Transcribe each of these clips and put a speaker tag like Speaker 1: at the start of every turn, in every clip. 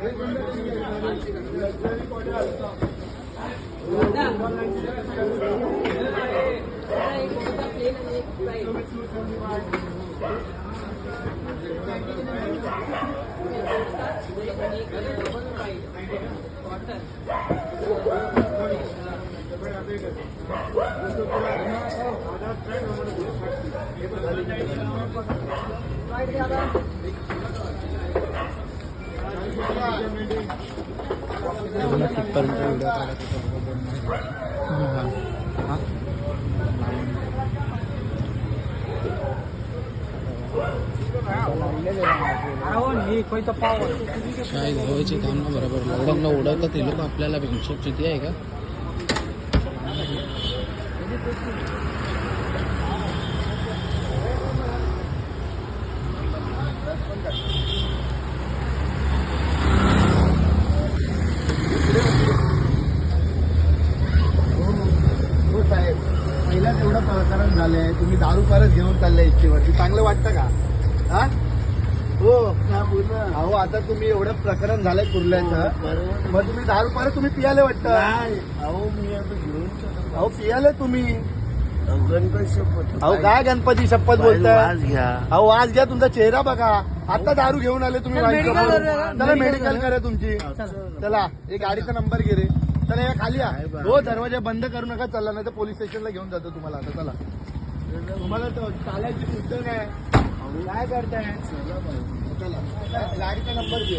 Speaker 1: काय घ्यायचे काम ना बरोबर लॉकडाऊनला उडवतात ते लोक आपल्याला हिशोब किती आहे का.
Speaker 2: पहिलाच एवढं प्रकरण झालंय, तुम्ही दारू परत घेऊन चाललाय इच्छेवरती, चांगलं वाटतं का? हा हो अहो, आता तुम्ही एवढं प्रकरण झालंय कुर्ल्याचं, मग तुम्ही दारू परत तुम्ही पियाले वाटतं.
Speaker 3: अहो मी आता घेऊन
Speaker 2: अहो पियाले तुम्ही.
Speaker 3: गणपती शपथ.
Speaker 2: अहो काय गणपती शपथ बोलताय?
Speaker 3: आज घ्या.
Speaker 2: अहो आज घ्या, तुमचा चेहरा बघा. आता दारू घेऊन आले तुम्ही. चला मेडिकल करा तुमची. चला एक गाडीचा नंबर घे रे. चला या खाली या. हो दरवाजा बंद करू नका. चला नाही तर पोलीस स्टेशनला घेऊन जातो तुम्हाला. आता चला, तुम्हाला चालायची सुद्धा नाही. काय करताय? चला गाडीचा नंबर घे.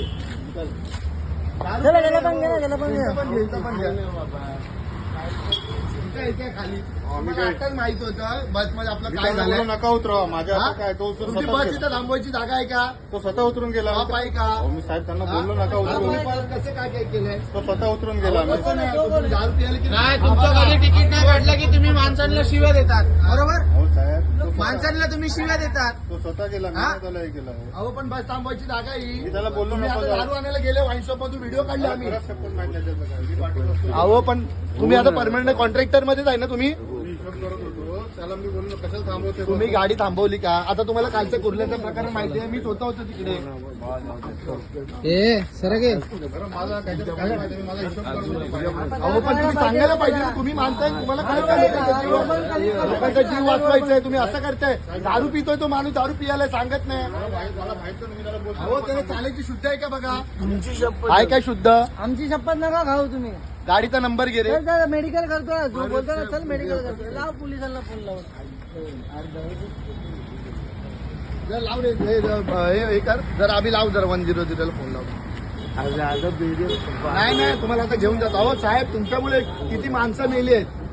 Speaker 2: खाली आताच माहित होतं बस मध्ये आपलं काय झालं.
Speaker 4: नका उतरवा माझ्या. काय तो
Speaker 2: तुमची बस इथं थांबवायची जागा आहे का?
Speaker 4: तो स्वतः उतरून गेला.
Speaker 2: बाप आहे का?
Speaker 4: मी साहेब त्यांना बोललो नका उतरून.
Speaker 2: कसं काय काय केलंय?
Speaker 4: तो स्वतः उतरून गेला.
Speaker 2: कसं नाही, तुम्ही दारू प्यायला की
Speaker 1: नाही तुमचं कधी तिकीट नाही काढलं की तुम्ही माणसांना शिव्या देतात, बरोबर?
Speaker 4: हो साहेब,
Speaker 1: माणसांना तुम्ही शिव्या देतात.
Speaker 4: तो स्वतः गेला. मी त्याला हे केलं.
Speaker 2: अहो पण बस थांबवायची जागा ही.
Speaker 4: मी त्याला बोललो
Speaker 2: तुम्ही
Speaker 4: नको
Speaker 2: आता
Speaker 4: जाऊ.
Speaker 2: दारू आणायला गेले वाईन शॉप मधून व्हिडिओ काढले आम्ही.
Speaker 4: बराच शपथ माहिती आहे त्याचं काय. मी पाठवलं असतं.
Speaker 2: अहो पण तुम्ही आता परमनंट कॉन्ट्रॅक्टर मध्येच आहे ना तुम्ही?
Speaker 4: मी हिशोब करत होतो. त्याला मी बोललो कशाला थांबवते.
Speaker 2: तुम्ही गाडी थांबवली का? आता तुम्हाला कालचं कुर्ल्याचं प्रकरण माहिती आहे. मी स्वतः होतो तिकडे.
Speaker 1: ए सरगे
Speaker 4: बरं, मला काहीतरी काय माहिती. मला हिशोब करत होतो.
Speaker 2: अहो पण तुम्ही सांगायला पाहिजे ना. तुम्ही मानताय, तुम्हाला काय करायचं? लोकांचा जीव वाचवायचा तुम्ही असं करताय. दारू पितोय तो माणूस, दारू पियाला सांगत नाही.
Speaker 4: मला माहित नाही. मी त्याला बोलतो.
Speaker 2: अहो त्याला चालायची शुद्ध आहे का बघा?
Speaker 3: तुमची शपथ.
Speaker 2: आहे काय शुद्ध?
Speaker 5: आमची शपथ नका खाऊ तुम्ही.
Speaker 2: गाडीचा नंबर घे रे.
Speaker 5: मेडिकल करतो जो बोलतो ना, चल मेडिकल करतो. लाव पोलिसांना फोन लावून.
Speaker 2: जर लाव रे हे कर. जर आम्ही लाव, जर 100 ला फोन लाव.
Speaker 3: आज व्हिडिओ
Speaker 2: नाही तुम्हाला आता घेऊन जातो. अहो साहेब तुमच्यामुळे किती माणसं मेली आहेत.